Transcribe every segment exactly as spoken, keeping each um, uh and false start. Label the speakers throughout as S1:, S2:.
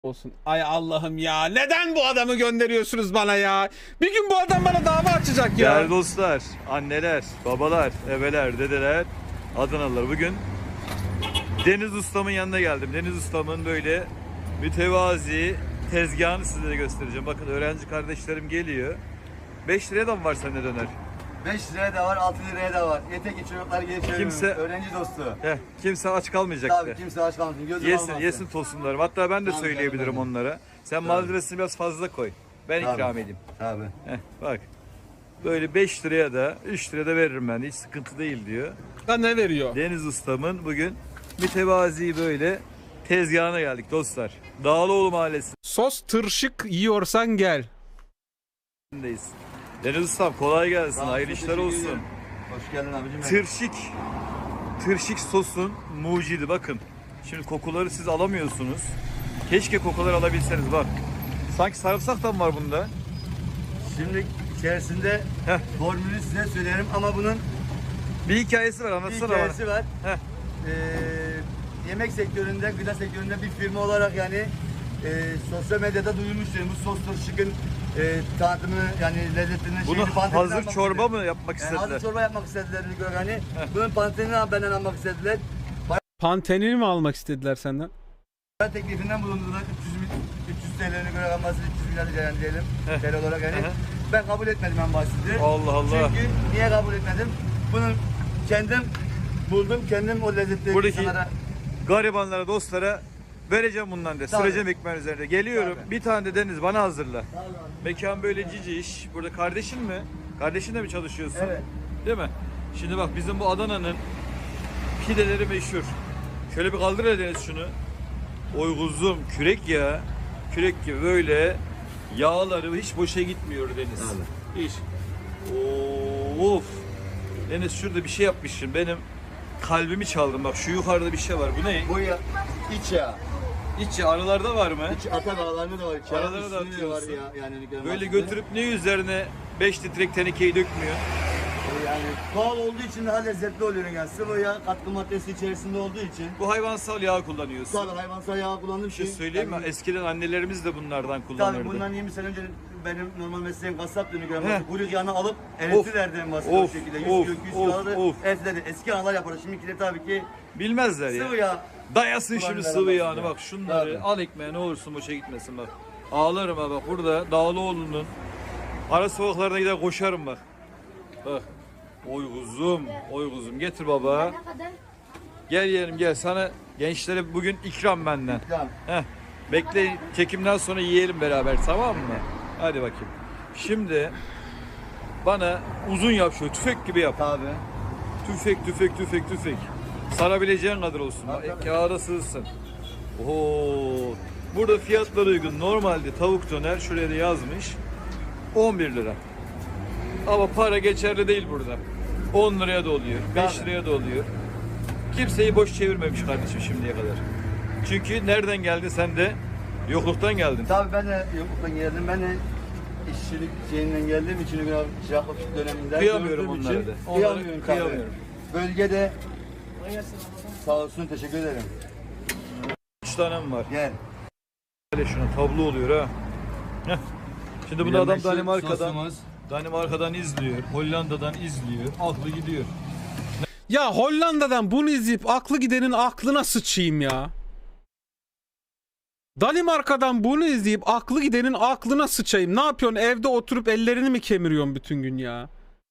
S1: Olsun. Ay Allah'ım ya. Neden bu adamı gönderiyorsunuz bana ya? Bir gün bu adam bana dava açacak ya.
S2: Değerli dostlar, anneler, babalar, ebeler, dedeler, Adanalılar. Bugün Deniz Ustam'ın yanına geldim. Deniz Ustam'ın böyle mütevazi tezgahını sizlere göstereceğim. Bakın öğrenci kardeşlerim geliyor. beş liraya da mı var sende döner?
S3: beş liraya da var, altı liraya da var. Yeter ki çocuklar gelip çevirmiyor.
S2: Kimse-
S3: Öğrenci dostu.
S2: Heh, kimse aç kalmayacak
S3: Tabii
S2: de.
S3: kimse aç kalmasın. Gözüm
S2: Yesin,
S3: almasın.
S2: yesin tosunlarım. Hatta ben de
S3: Tabii,
S2: söyleyebilirim
S3: tabii.
S2: onlara. Sen malzemesini biraz fazla koy. Ben
S3: Tabii.
S2: ikram edeyim.
S3: Tabii.
S2: Heh, bak. Böyle beş liraya da üç liraya da veririm ben de. Hiç sıkıntı değil diyor.
S1: Ha, ne veriyor?
S2: Deniz Ustam'ın bugün mütevazi böyle tezgahına geldik dostlar. Dağlıoğlu Mahallesi'ndeyiz.
S1: Sos tırşık yiyorsan gel.
S2: Deniz Ustam kolay gelsin.
S3: Sağ ol,
S2: Hayırlı işler
S3: teşekkür
S2: olsun.
S3: ederim. Hoş geldin abicim.
S2: Tırşık. Tırşık sosun mucidi bakın. Şimdi kokuları siz alamıyorsunuz. Keşke kokuları alabilseniz bak. Sanki sarımsak da mı var bunda?
S3: Şimdi içerisinde
S2: Heh.
S3: formülü size söylerim ama bunun
S2: Bir hikayesi var
S3: bir
S2: anlatsana
S3: hikayesi var.
S2: Heh.
S3: Ee, yemek sektöründe, gıda sektöründe bir firma olarak yani e, sosyal medyada duyurmuştum. Bu sos tırşıkın e, tadını yani lezzetini
S2: Bunu
S3: şeyini, pantenini
S2: hazır
S3: almak
S2: çorba
S3: istediler.
S2: mı yapmak
S3: Yani
S2: istediler?
S3: hazır çorba yapmak istediler. Yani bunun pantenini benden almak istediler.
S1: Pantenini mi almak istediler senden?
S3: Ben teklifinden bulundular. üç yüz, üç yüz T L'nin göre alması üç yüz milyar lira yani diyelim. T L olarak yani.
S2: Hı hı.
S3: Ben kabul etmedim en basiti.
S2: Allah Allah.
S3: Çünkü niye kabul etmedim? Bunu kendim buldum. Kendim o lezzetleri
S2: Buradaki
S3: insanlara...
S2: garibanlara, dostlara vereceğim bundan de.
S3: Tabii.
S2: Süreceğim ekmeğin üzerinde. Geliyorum.
S3: Tabii.
S2: Bir tane de Deniz bana hazırla. Mekan böyle cici iş. Burada kardeşin mi? Kardeşinle mi çalışıyorsun?
S3: Evet.
S2: Değil mi? Şimdi bak bizim bu Adana'nın pideleri meşhur. Şöyle bir kaldır hele Deniz şunu. Oy kuzum kürek ya. Kürek gibi böyle yağları hiç boşa gitmiyor Deniz. Hiç. Of. Deniz şurada bir şey yapmışsın. Benim kalbimi çaldın. Bak şu yukarıda bir şey var. Bu ne?
S3: Bu ya iç yağ.
S2: İç yağ aralarda var mı?
S3: İç ata bağlarında da var. iç yağ.
S2: Aralarına da
S3: Üstünde de var
S2: atıyorsun.
S3: ya. Yani
S2: Böyle götürüp ne üzerine beş litrelik tenekeyi dökmüyor.
S3: Yani doğal olduğu için daha lezzetli oluyor yani. Sıvı yağ katkı maddesi içerisinde olduğu için.
S2: Bu hayvansal yağ kullanıyorsun.
S3: Tabii hayvansal yağ kullandığım
S2: Bir şey
S3: şey.
S2: söyleyeyim mi?
S3: yani-
S2: Eskiden annelerimiz de bunlardan kullanırdı.
S3: Tabii bundan yirmi sene önce benim normal mesleğim kasap dönüyor.
S2: Heh.
S3: Kuyruk yağını alıp eritirlerdi en basit
S2: Of,
S3: o şekilde. Yüz
S2: of,
S3: kilo, yüz
S2: of,
S3: kiloları
S2: of.
S3: eritirlerdi. Eski analar yapardı. Şimdikiler tabii ki
S2: Bilmezler ya.
S3: sıvı yağ.
S2: Dayasın şimdi
S3: Kullanmadan
S2: sıvı yağını
S3: bahsediyor.
S2: bak şunları
S3: Tabii.
S2: al ekmeğe ne olursun boşa gitmesin bak. Ağlarım ha bak burada Dağlıoğlu'nun ara sokaklarına gider koşarım bak. Bak. Oy kuzum, oy kuzum getir baba. Gel yeğenim gel sana gençlere bugün ikram benden.
S3: Tamam.
S2: Heh. Bekle çekimden sonra yiyelim beraber tamam mı? Hadi bakayım. Şimdi bana uzun yap şöyle tüfek gibi yap.
S3: Tabii.
S2: Tüfek tüfek tüfek tüfek. Sarabileceğin kadar olsun.
S3: Tabii, tabii.
S2: Kağıda sığsın. Oo. Burada fiyatlar uygun. Normalde tavuk döner şuraya da yazmış. on bir lira. Ama para geçerli değil burada. on liraya da oluyor. beş
S3: Tabii.
S2: liraya da oluyor. Kimseyi boş çevirmemiş kardeşim şimdiye kadar. Çünkü nereden geldin sen de? Yokluktan geldin.
S3: Tabii ben de yokluktan geldim. Ben de işçilik şeyinden geldiğim için biraz çıraklık döneminde
S2: Kıyamıyorum
S3: gördüğüm
S2: onlara
S3: için
S2: da. Onlara
S3: Kıyamıyorum. tabii.
S2: kıyamıyorum.
S3: Bölgede sağ olsun teşekkür ederim.
S2: üç tanem var.
S3: Gel.
S2: Böyle şuna tablo oluyor ha. Heh. Şimdi bunu adam
S3: Meşhur
S2: Danimarka'dan
S3: sosumuz.
S2: Danimarka'dan izliyor, Hollanda'dan izliyor, aklı gidiyor.
S1: Ya Hollanda'dan bunu izleyip aklı gidenin aklına sıçayım ya. Danimarka'dan bunu izleyip aklı gidenin aklına sıçayım. Ne yapıyorsun? Evde oturup ellerini mi kemiriyorsun bütün gün ya?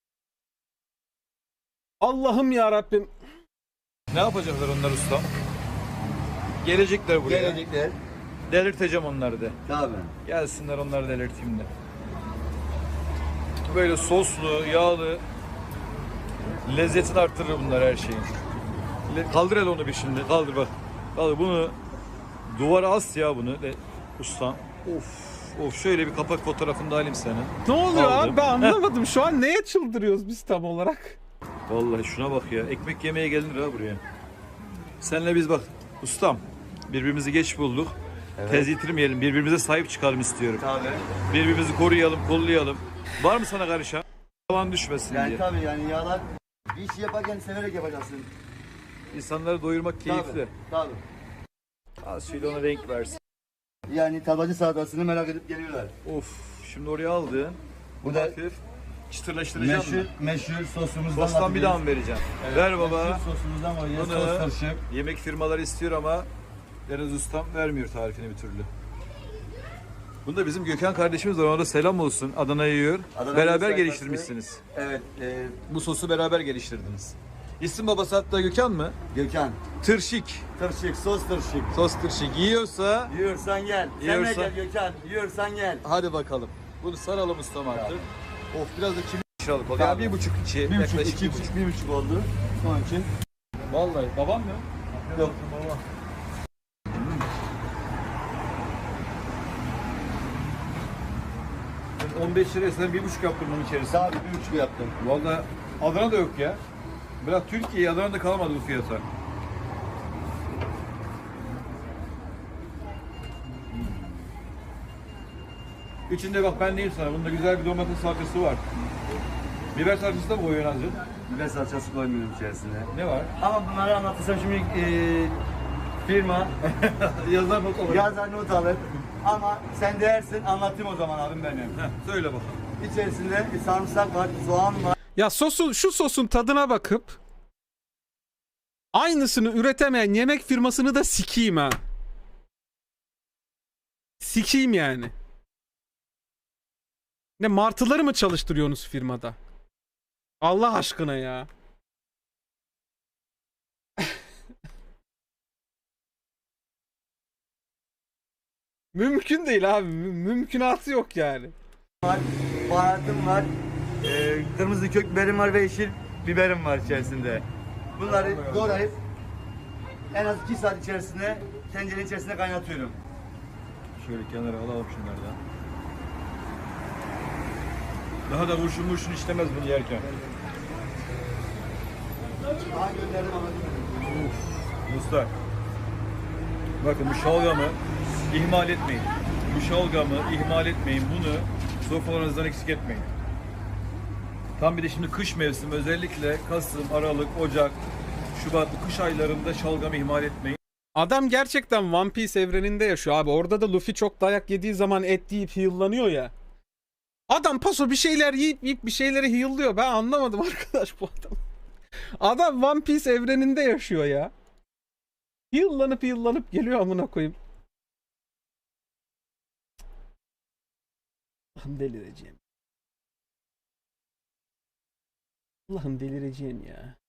S1: Allah'ım ya Rabbim.
S2: Ne yapacaklar onlar ustam? Gelecekler buraya.
S3: Gelecekler.
S2: Delirteceğim onları da.
S3: Tabii.
S2: Gelsinler onları delirteyim de. Böyle soslu, yağlı lezzetini arttırır bunlar her şeyin. Le- Kaldır hele onu bir şimdi. Kaldır bak. Kaldır bunu. Duvara as ya bunu. De, ustam. Of. Of şöyle bir kapak fotoğrafını da alayım senin.
S1: Ne oluyor
S2: Aldım.
S1: abi? Ben anlamadım. Şu an neye çıldırıyoruz biz tam olarak?
S2: Vallahi şuna bak ya. Ekmek yemeye gelinir ha buraya. Senle biz bak ustam birbirimizi geç bulduk.
S3: Evet.
S2: Tez yitirmeyelim. Birbirimize sahip çıkalım istiyorum.
S3: Tabii.
S2: Birbirimizi koruyalım, kollayalım. Var mı sana karışan? Tavan düşmesin
S3: Yani
S2: diye.
S3: tabii yani yağlar bir işi yaparken severek yapacaksın.
S2: İnsanları doyurmak keyifli.
S3: Tabii. Tabii.
S2: Az şöyle ona renk versin.
S3: Yani tablacı salatasını merak edip geliyorlar.
S2: Of, şimdi oraya aldın.
S3: Bu
S2: Bu
S3: da
S2: da hafif çıtırlaştıracağım
S3: Meşhur,
S2: mı?
S3: meşhur sosumuzdan
S2: Sostan bir daha mı
S3: atacağız.
S2: vereceğim?
S3: Evet,
S2: Ver baba.
S3: Meşhur sosumuzdan koyacağız.
S2: Bunu
S3: Sos karışık.
S2: yemek firmaları istiyor ama Deniz Ustam vermiyor tarifini bir türlü. Bunda bizim Gökhan kardeşimiz var. Ona da selam olsun. Adana'ya yiyor.
S3: Adana
S2: Beraber
S3: sayfası.
S2: geliştirmişsiniz.
S3: Evet, e,
S2: Bu sosu beraber geliştirdiniz. İsim babası hatta Gökhan mı?
S3: Gökhan.
S2: Tırşik.
S3: Tırşık, sos tırşık.
S2: Sos tırşik. Yiyorsa
S3: Yiyorsan gel. Sen de
S2: Yiyorsan-
S3: gel Gökhan. Yiyorsan gel.
S2: hadi bakalım. Bunu saralım ustam artık. Of biraz da kimi liralık oldu.
S3: Tabii.
S2: Ya bir buçuk içi.
S3: Bir buçuk,
S2: yaklaşık
S3: iki buçuk, bir buçuk oldu. Onun için.
S2: Vallahi babam mı?
S3: Yok.
S2: Ben on beş liraya sen bir buçuk yaptım bunun içerisinde.
S3: Daha bir buçuk yaptım.
S2: Vallahi Adana'da yok ya. Bırak Türkiye'yi, Adana'da kalmadı bu fiyata. İçinde bak ben diyeyim sana, bunda güzel bir domates salçası var. Biber salçası da mı koyuyorsun azıcık?
S3: Biber salçası koymuyorum içerisine.
S2: Ne var?
S3: Ama bunları anlatırsam şimdi e, firma
S2: Yazar not olarak.
S3: yazar not alır. Ama sen dersin anlatayım o zaman abim benim.
S2: Heh, söyle bakalım.
S3: İçerisinde sarımsak var, soğan var.
S1: Ya sosu, şu sosun tadına bakıp aynısını üretemeyen yemek firmasını da sikeyim ha. Sikeyim yani. Ne martıları mı çalıştırıyorsunuz firmada? Allah aşkına ya. Mümkün değil abi. Mü- mümkünatı yok yani.
S3: var, baharatım var, e, kırmızı kök biberim var ve yeşil biberim var içerisinde. Bunları doğrayıp en az iki saat içerisinde tencerenin içerisinde kaynatıyorum.
S2: Şöyle kenara alalım şunları da. Daha da vurşun vurşun işlemez bunu yerken.
S3: Daha gönderdim anladım.
S2: Dostlar, bakın bu şalgamı ihmal etmeyin. Bu şalgamı ihmal etmeyin. Bunu sofralarınızdan eksik etmeyin. Tam bir de şimdi kış mevsimi, özellikle Kasım, Aralık, Ocak, Şubat bu kış aylarında şalgamı ihmal etmeyin.
S1: Adam gerçekten One Piece evreninde yaşıyor abi. Orada da Luffy çok dayak yediği zaman et yiyip heal'lanıyor ya. Adam paso bir şeyler yiyip yiyip bir şeyleri heal'lıyor. Ben anlamadım arkadaş bu adam. Adam One Piece evreninde yaşıyor ya. Heal'lanıp heal'lanıp geliyor amına koyayım. Allah'ım delireceğim. Allah'ım delireceğim ya.